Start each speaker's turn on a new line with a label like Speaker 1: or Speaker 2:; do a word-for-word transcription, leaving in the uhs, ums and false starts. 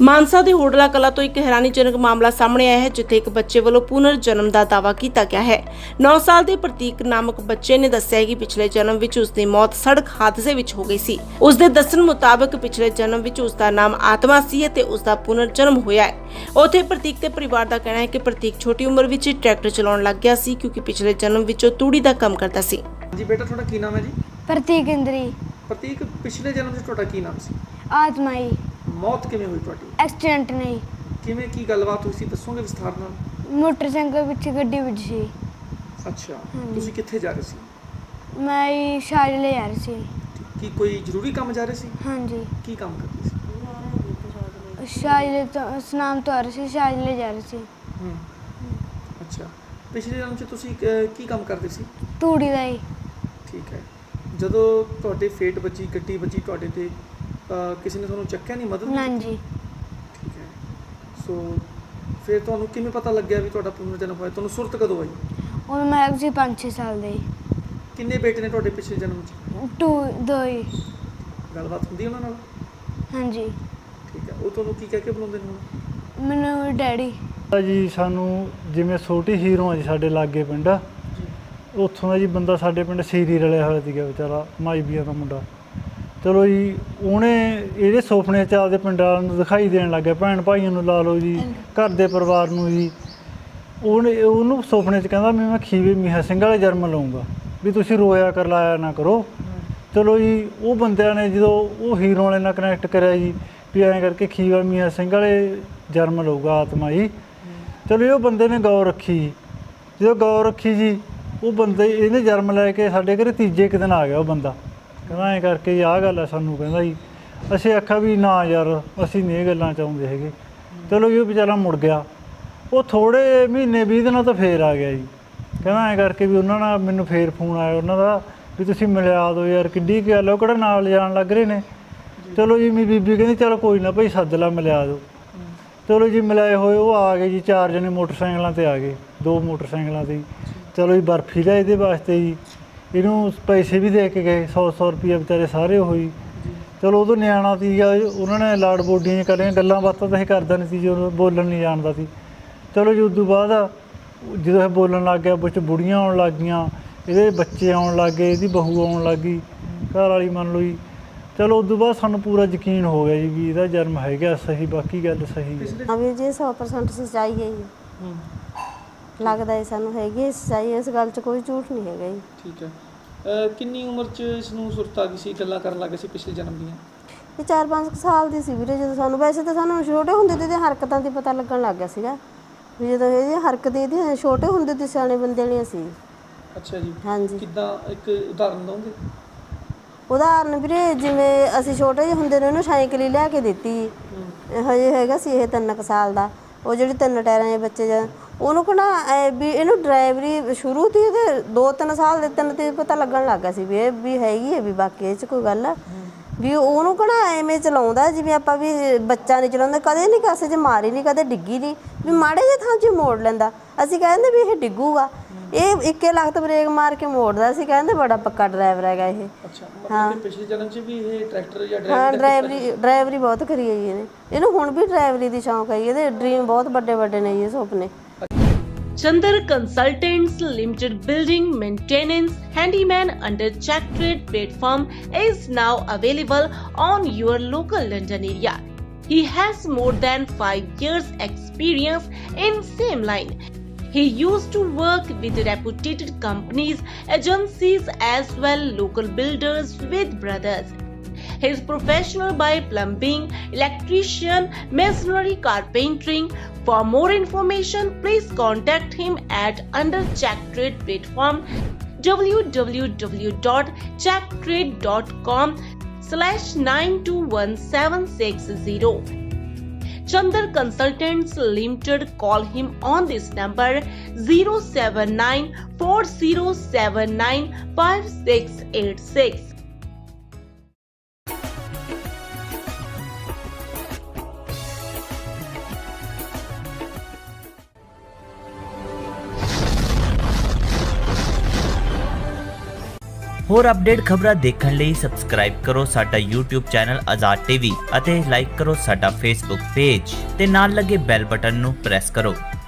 Speaker 1: ਮਾਨਸਾ ਦੇ ਹੋਟਲਾ ਕਲਾ ਤੋਂ ਇੱਕ ਹੈਰਾਨੀਜਨਕ ਮਾਮਲਾ ਸਾਹਮਣੇ ਆਇਆ ਹੈ, ਜਿੱਥੇ ਇੱਕ ਬੱਚੇ ਵੱਲੋਂ ਪੁਨਰ ਜਨਮ ਦਾ ਦਾਅਵਾ ਕੀਤਾ ਗਿਆ ਹੈ। ਨੌ ਸਾਲ ਦੇ ਪ੍ਰਤੀਕ ਨਾਮਕ ਬੱਚੇ ਨੇ ਦੱਸਿਆ ਹੈ ਕਿ ਪਿਛਲੇ ਜਨਮ ਵਿੱਚ ਉਸ ਦੀ ਮੌਤ ਸੜਕ ਹਾਦਸੇ ਵਿੱਚ ਹੋ ਗਈ ਸੀ। ਉਸ ਦੇ ਦੱਸਣ ਮੁਤਾਬਕ ਪਿਛਲੇ ਜਨਮ ਵਿੱਚ ਉਸ ਦਾ ਨਾਮ ਆਤਮਾ ਸੀ ਅਤੇ ਉਸ ਦਾ ਪੁਨਰ ਜਨਮ ਹੋਇਆ ਹੈ। ਉੱਥੇ ਪ੍ਰਤੀਕ ਦੇ ਪਰਿਵਾਰ ਦਾ ਕਹਿਣਾ ਹੈ ਕਿ ਪ੍ਰਤੀਕ ਛੋਟੀ ਉਮਰ ਵਿੱਚ ਹੀ ਟਰੈਕਟਰ ਚਲਾਉਣ ਲੱਗ ਗਿਆ ਸੀ, ਕਿਉਂਕਿ ਪਿਛਲੇ ਜਨਮ ਵਿੱਚ ਉਹ ਤੂੜੀ ਦਾ ਕੰਮ ਕਰਦਾ ਸੀ।
Speaker 2: ਜੀ ਬੇਟਾ, ਤੁਹਾਡਾ ਕੀ ਨਾਮ ਹੈ ਜੀ?
Speaker 3: ਪ੍ਰਤੀਕ ਇੰਦਰੀ।
Speaker 2: ਪ੍ਰਤੀਕ, ਪਿਛਲੇ ਜਨਮ 'ਚ ਤੁਹਾਡਾ ਕੀ ਨਾਮ ਸੀ?
Speaker 3: ਆਤਮਾ ਜੀ।
Speaker 2: ਮੌਤ ਕਿਵੇਂ ਹੋਈ ਤੁਹਾਡੀ?
Speaker 3: ਐਕਸੀਡੈਂਟ ਨਹੀਂ।
Speaker 2: ਕਿਵੇਂ, ਕੀ ਗੱਲਬਾਤ ਹੋਈ ਸੀ, ਦੱਸੋਗੇ ਵਿਸਥਾਰ ਨਾਲ?
Speaker 3: ਮੋਟਰਸਾਈਕਲ ਵਿੱਚ ਗੱਡੀ ਵਿੱਚ ਸੀ।
Speaker 2: ਅੱਛਾ, ਤੁਸੀਂ ਕਿੱਥੇ ਜਾ ਰਹੇ ਸੀ?
Speaker 3: ਮੈਂ ਜੀ ਸ਼ਾਇਦ ਲੈ ਜਾ ਰਹੀ ਸੀ।
Speaker 2: ਕੀ ਕੋਈ ਜ਼ਰੂਰੀ ਕੰਮ ਜਾ ਰਹੇ ਸੀ?
Speaker 3: ਹਾਂਜੀ।
Speaker 2: ਕੀ ਕੰਮ ਕਰਦੇ ਸੀ?
Speaker 3: ਸ਼ਾਇਦ ਤੋਂ ਸਨਾਮ ਤੋਂ ਆ ਰਹੀ ਸੀ, ਸ਼ਾਇਦ ਲੈ ਜਾ ਰਹੀ ਸੀ।
Speaker 2: ਹੂੰ। ਅੱਛਾ, ਪਿਛਲੇ ਜਨਮ 'ਚ ਤੁਸੀਂ ਕ- ਕੀ ਕੰਮ ਕਰਦੇ ਸੀ?
Speaker 3: ਤੂੜੀ ਦਾ ਹੀ।
Speaker 2: ਠੀਕ ਹੈ। ਜਦੋਂ ਤੁਹਾਡੇ ਫੇਟ ਵੱਜੀ, ਗੱਡੀ ਵੱਜੀ ਤੁਹਾਡੇ ਤੇ, ਅਹ ਕਿਸੇ ਨੇ ਤੁਹਾਨੂੰ ਚੱਕਿਆ ਨਹੀਂ, ਮਦਦ ਨਹੀਂ
Speaker 3: ਨਾ
Speaker 2: ਕੀਤੀ?
Speaker 3: ਜੀ।
Speaker 2: ਠੀਕ ਹੈ। ਸੋ ਫਿਰ ਤੁਹਾਨੂੰ ਕਿਵੇਂ ਪਤਾ ਲੱਗਿਆ ਵੀ ਤੁਹਾਡਾ ਪੁਨਰ ਜਨਮ ਹੋਇਆ? ਤੁਹਾਨੂੰ ਸੁਰਤ ਕਦੋਂ ਆਈ?
Speaker 3: ਉਦੋਂ ਮੈਂ ਹੈਗੀ ਸੀ ਪੰਜ ਛੇ ਸਾਲ ਦੇ।
Speaker 2: ਕਿੰਨੇ ਬੇਟੇ ਨੇ ਤੁਹਾਡੇ ਪਿਛਲੇ ਜਨਮ 'ਚ?
Speaker 3: ਟੂ ਦੋ ਹੀ।
Speaker 2: ਗੱਲਬਾਤ ਹੁੰਦੀ ਉਹਨਾਂ ਨਾਲ?
Speaker 3: ਹਾਂਜੀ।
Speaker 2: ਠੀਕ ਹੈ। ਉਹ ਤੁਹਾਨੂੰ ਕੀ ਕਹਿ ਕੇ ਬੁਲਾਉਂਦੇ ਨੇ ਹੁਣ?
Speaker 3: ਮੈਨੂੰ ਡੈਡੀ।
Speaker 4: ਜੀ ਸਾਨੂੰ ਜਿਵੇਂ ਛੋਟੀ ਹੀਰੋ ਆ ਜੀ, ਸਾਡੇ ਲਾਗੇ ਪਿੰਡ ਉੱਥੋਂ ਦਾ ਜੀ ਬੰਦਾ ਸਾਡੇ ਪਿੰਡ ਸੀਰੀ ਰਲਿਆ ਹੋਇਆ ਸੀਗਾ ਵਿਚਾਰਾ, ਮਾਈਬੀਆ ਦਾ ਮੁੰਡਾ। ਚਲੋ ਜੀ, ਉਹਨੇ ਇਹਦੇ ਸੁਪਨੇ 'ਚ ਆਪਦੇ ਪਿੰਡ ਵਾਲਿਆਂ ਨੂੰ ਦਿਖਾਈ ਦੇਣ ਲੱਗ ਗਿਆ, ਭੈਣ ਭਾਈਆਂ ਨੂੰ ਲਾ ਲਓ ਜੀ, ਘਰ ਦੇ ਪਰਿਵਾਰ ਨੂੰ ਜੀ। ਉਹਨੇ ਉਹਨੂੰ ਸੁਪਨੇ 'ਚ ਕਹਿੰਦਾ ਵੀ ਮੈਂ ਖੀਵੇ ਮੀਹਾ ਸਿੰਘ ਵਾਲੇ ਜਨਮ ਲਊਂਗਾ, ਵੀ ਤੁਸੀਂ ਰੋਇਆ ਕਰ ਲਾਇਆ ਨਾ ਕਰੋ। ਚਲੋ ਜੀ, ਉਹ ਬੰਦਿਆਂ ਨੇ ਜਦੋਂ ਉਹ ਹੀਰੋ ਵਾਲੇ ਨਾਲ ਕਨੈਕਟ ਕਰਿਆ ਜੀ, ਵੀ ਐਂ ਕਰਕੇ ਖੀਵਾ ਮੀਹਾ ਸਿੰਘ ਵਾਲੇ ਜਨਮ ਲਊਗਾ ਆਤਮਾ ਜੀ। ਚਲੋ ਜੀ, ਉਹ ਬੰਦੇ ਨੇ ਗੌਰ ਰੱਖੀ ਜੀ। ਜਦੋਂ ਗੌਰ ਰੱਖੀ ਜੀ, ਉਹ ਬੰਦੇ ਇਹਨੇ ਜਨਮ ਲੈ ਕੇ ਸਾਡੇ ਘਰੇ ਤੀਜੇ ਕੁ ਦਿਨ ਆ ਗਿਆ ਉਹ ਬੰਦਾ। ਕਹਿੰਦਾ ਐਂ ਕਰਕੇ ਜੀ ਆਹ ਗੱਲ ਹੈ ਸਾਨੂੰ, ਕਹਿੰਦਾ ਜੀ। ਅਸੀਂ ਆਖਿਆ ਵੀ ਨਾ ਯਾਰ, ਅਸੀਂ ਨਹੀਂ ਇਹ ਗੱਲਾਂ ਚਾਹੁੰਦੇ ਹੈਗੇ। ਚਲੋ ਜੀ, ਉਹ ਵਿਚਾਰਾ ਮੁੜ ਗਿਆ। ਉਹ ਥੋੜ੍ਹੇ ਮਹੀਨੇ ਵੀਹ ਦਿਨਾਂ ਤੋਂ ਫੇਰ ਆ ਗਿਆ ਜੀ। ਕਹਿੰਦਾ ਐਂ ਕਰਕੇ ਵੀ ਉਹਨਾਂ ਨਾਲ ਮੈਨੂੰ ਫੇਰ ਫੋਨ ਆਇਆ ਉਹਨਾਂ ਦਾ, ਵੀ ਤੁਸੀਂ ਮਿਲਿਆ ਦਿਓ ਯਾਰ, ਕਿੱਡੀ ਕੁ ਗੱਲ, ਉਹ ਕਿਹੜਾ ਨਾਲ ਜਾਣ ਲੱਗ ਰਹੇ ਨੇ। ਚਲੋ ਜੀ, ਮੇਰੀ ਬੀਬੀ ਕਹਿੰਦੀ ਚਲੋ ਕੋਈ ਨਾ ਭਾਈ, ਸੱਦ ਲਾ, ਮਿਲਿਆ ਦਿਓ। ਚਲੋ ਜੀ, ਮਿਲਾਏ ਹੋਏ ਉਹ ਆ ਗਏ ਜੀ, ਚਾਰ ਜਣੇ ਮੋਟਰਸਾਈਕਲਾਂ 'ਤੇ ਆ ਗਏ, ਦੋ ਮੋਟਰਸਾਈਕਲਾਂ 'ਤੇ। ਚਲੋ ਜੀ, ਬਰਫੀ ਲਿਆ ਇਹਦੇ ਵਾਸਤੇ ਜੀ, ਇਹਨੂੰ ਪੈਸੇ ਵੀ ਦੇ ਕੇ ਗਏ, ਸੌ ਸੌ ਰੁਪਈਆ ਵਿਚਾਰੇ ਸਾਰੇ ਹੋਈ। ਚਲੋ ਉਦੋਂ ਨਿਆਣਾ ਸੀਗਾ, ਉਹਨਾਂ ਨੇ ਲਾੜ ਬੋਡੀਆਂ ਕਰੀਆਂ, ਗੱਲਾਂ ਬਾਤਾਂ ਤਾਂ ਇਹ ਕਰਦਾ ਨਹੀਂ ਸੀ, ਜਦੋਂ ਬੋਲਣ ਨਹੀਂ ਜਾਣਦਾ ਸੀ। ਚਲੋ ਜੀ, ਉਦੋਂ ਬਾਅਦ ਜਦੋਂ ਇਹ ਬੋਲਣ ਲੱਗ ਗਿਆ, ਵਿੱਚ ਬੁੜੀਆਂ ਆਉਣ ਲੱਗ ਗਈਆਂ, ਇਹਦੇ ਬੱਚੇ ਆਉਣ ਲੱਗ ਗਏ, ਇਹਦੀ ਬਹੂ ਆਉਣ ਲੱਗ ਗਈ, ਘਰ ਵਾਲੀ ਮੰਨ ਲਓ ਜੀ। ਚਲੋ ਉਦੋਂ ਬਾਅਦ ਸਾਨੂੰ ਪੂਰਾ ਯਕੀਨ ਹੋ ਗਿਆ ਜੀ ਵੀ ਇਹਦਾ ਜਨਮ ਹੈਗਾ ਸਹੀ, ਬਾਕੀ ਗੱਲ ਸਹੀ ਹੈ।
Speaker 5: ਹਾਂ ਵੀਰ ਜੀ, ਸੌ ਪਰਸੈਂਟ ਸੱਚਾਈ ਹੈ ਜੀ। ਲੱਗਦਾ ਹੈ ਸਾਨੂੰ ਹੈਗੀ ਸੱਚਾਈ, ਇਸ ਗੱਲ 'ਚ ਕੋਈ ਝੂਠ ਨਹੀਂ ਹੈਗਾ ਜੀ।
Speaker 2: ਠੀਕ ਹੈ। ਅਹ ਕਿੰਨੀ ਉਮਰ 'ਚ ਇਸ ਨੂੰ ਸੁਰਤ ਆ ਗਈ ਸੀ, ਗੱਲਾਂ ਕਰਨ ਲੱਗ ਗਏ ਸੀ ਪਿਛਲੇ ਜਨਮ ਦੀਆਂ?
Speaker 5: ਇਹ ਚਾਰ ਪੰਜ ਕੁ ਸਾਲ ਦੀ ਸੀ ਵੀਰੇ ਜਦੋਂ ਸਾਨੂੰ, ਵੈਸੇ ਤਾਂ ਸਾਨੂੰ ਛੋਟੇ ਹੁੰਦੇ ਤੇ ਇਹਦੀਆਂ ਹਰਕਤਾਂ ਦੀ ਪਤਾ ਲੱਗਣ ਲੱਗ ਗਿਆ ਸੀਗਾ ਵੀ ਜਦੋਂ ਇਹਦੀ ਹਰਕਤ ਇਹਦੀ ਛੋਟੇ ਹੁੰਦੇ ਤੇ ਸਿਆਣੇ ਬੰਦੇ ਵਾਲੀਆਂ ਸੀ।
Speaker 2: ਅੱਛਾ ਜੀ।
Speaker 5: ਹਾਂਜੀ।
Speaker 2: ਕਿੱਦਾਂ, ਇੱਕ ਉਦਾਹਰਨ ਦਿਓਗੇ?
Speaker 5: ਉਦਾਹਰਨ ਵੀਰੇ, ਜਿਵੇਂ ਅਸੀਂ ਛੋਟੇ ਜਿਹੇ ਹੁੰਦੇ ਨੇ ਉਹਨੂੰ ਸਾਈਕਲ ਹੀ ਲਿਆ ਕੇ ਦਿੱਤੀ, ਹਜੇ ਹੈਗਾ ਸੀ ਇਹ ਤਿੰਨ ਕੁ ਸਾਲ ਦਾ। ਉਹ ਜਿਹੜੀ ਤਿੰਨ ਟਾਇਰਾਂ ਦੇ ਬੱਚੇ ਜਾਂ ਉਹਨੂੰ ਕਹਿੰਦਾ ਵੀ ਇਹਨੂੰ ਡਰਾਈਵਰੀ ਸ਼ੁਰੂ ਤੀ ਇਹਦੇ ਦੋ ਤਿੰਨ ਸਾਲ ਦੇ ਤਿੰਨ ਤੇ ਪਤਾ ਲੱਗਣ ਲੱਗ ਗਿਆ ਸੀ ਵੀ ਇਹ ਵੀ ਹੈਗੀ ਹੈ, ਵੀ ਬਾਕੀ ਇਹ 'ਚ ਕੋਈ ਗੱਲ ਵੀ ਉਹਨੂੰ ਕਹਿੰਦਾ ਐਵੇਂ ਚਲਾਉਂਦਾ ਜਿਵੇਂ ਆਪਾਂ ਵੀ ਬੱਚਾ ਨਹੀਂ ਚਲਾਉਂਦਾ, ਕਦੇ ਨਹੀਂ ਕਾਸੇ 'ਚ ਮਾਰੀ ਨਹੀਂ, ਕਦੇ ਡਿੱਗੀ ਨਹੀਂ, ਵੀ ਮਾੜੇ ਜਿਹੇ ਥਾਂ 'ਚ ਮੋੜ ਲੈਂਦਾ। ਅਸੀਂ ਕਹਿੰਦੇ ਵੀ ਇਹ ਡਿੱਗੂਗਾ, ਇਹ ਇੱਕੇ ਲੱਖ ਬ੍ਰੇਕ ਮਾਰ ਕੇ ਮੋੜਦਾ ਸੀ, ਕਹਿੰਦੇ ਬੜਾ ਪੱਕਾ ਡਰਾਈਵਰ ਹੈਗਾ ਇਹ।
Speaker 2: ਅੱਛਾ, ਮਤਲਬ ਕਿ ਪਿਛਲੇ ਜਨਮ 'ਚ ਵੀ ਇਹ ਟਰੈਕਟਰ ਜਾਂ
Speaker 5: ਹਾਂ,
Speaker 2: ਡਰਾਈਵਰੀ
Speaker 5: ਡਰਾਈਵਰੀ ਡਰਾਈਵਰੀ ਬਹੁਤ ਕਰੀ ਹੈ ਜੀ ਇਹਨੇ। ਇਹਨੂੰ ਹੁਣ ਵੀ ਡਰਾਈਵਰੀ ਦੀ ਸ਼ੌਂਕ ਹੈ, ਇਹਦੇ ਡ੍ਰੀਮ ਬਹੁਤ ਵੱਡੇ ਵੱਡੇ ਨੇ ਜੀ, ਸੁਪਨੇ।
Speaker 1: Chandar Consultants Limited Building Maintenance Handyman under Check Trade platform is now available on your local London area. He has more than five years experience in same line. He used to work with reputed companies, agencies as well local builders with brothers. He is professional by plumbing, electrician, masonry, carpentering. For more information, please contact him at under Check Trade platform w w w dot check trade dot com slash nine two one seven six zero. Chandar Consultants Limited. Call him on this number zero seven nine four zero seven nine five six eight six.
Speaker 6: ਹੋਰ update ਖਬਰਾਂ ਦੇਖਣ ਲਈ subscribe ਕਰੋ ਸਾਡਾ YouTube channel Azad TV ਅਤੇ like ਕਰੋ ਸਾਡਾ Facebook page ਤੇ ਨਾਲ ਲੱਗੇ ਬੈਲ ਬਟਨ ਨੂੰ ਪ੍ਰੈਸ ਕਰੋ।